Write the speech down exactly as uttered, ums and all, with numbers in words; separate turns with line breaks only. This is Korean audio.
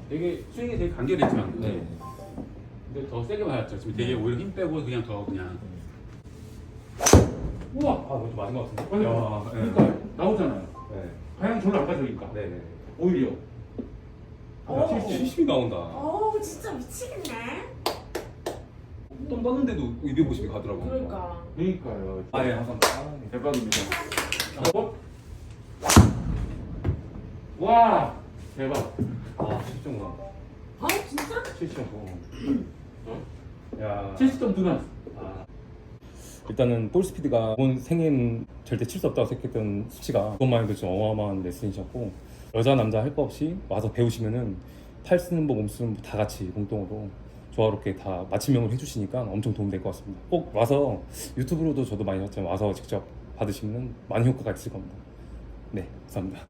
되게 스윙이 되게 간결했지만
네.
근데 더 세게 맞았죠. 지금 되게
네.
오히려 힘 빼고 그냥 더 그냥 우와!
아, 그것도 맞은 것 같은데.
아니,
야,
그러니까 나오잖아요.
네.
방향 별로 안 가져오니까
네네.
오히려
오.
칠십이 나온다.
어우 진짜 미치겠네.
똥 떴는데도 이백오십이 가더라고요.
그러니까.
그러니까요.
아, 예, 감사합니다. 아, 네.
대박입니다. 어? 와 대박.
아, 칠십 점 나온다.
아 진짜?
칠십 점. 어? 야.
칠십 점 누나.
아. 일단은 볼 스피드가 본 생애는 절대 칠 수 없다고 생각했던 수치가 그것만 해도 좀 어마어마한 레슨이셨고, 여자 남자 할 거 없이 와서 배우시면은 팔 쓰는 법, 몸 쓰는 법 다 같이 공동으로 조화롭게 다 맞춤형으로 해주시니까 엄청 도움될 것 같습니다. 꼭 와서 유튜브로도 저도 많이 봤지만 와서 직접 받으시면 많은 효과가 있을 겁니다. 네, 감사합니다.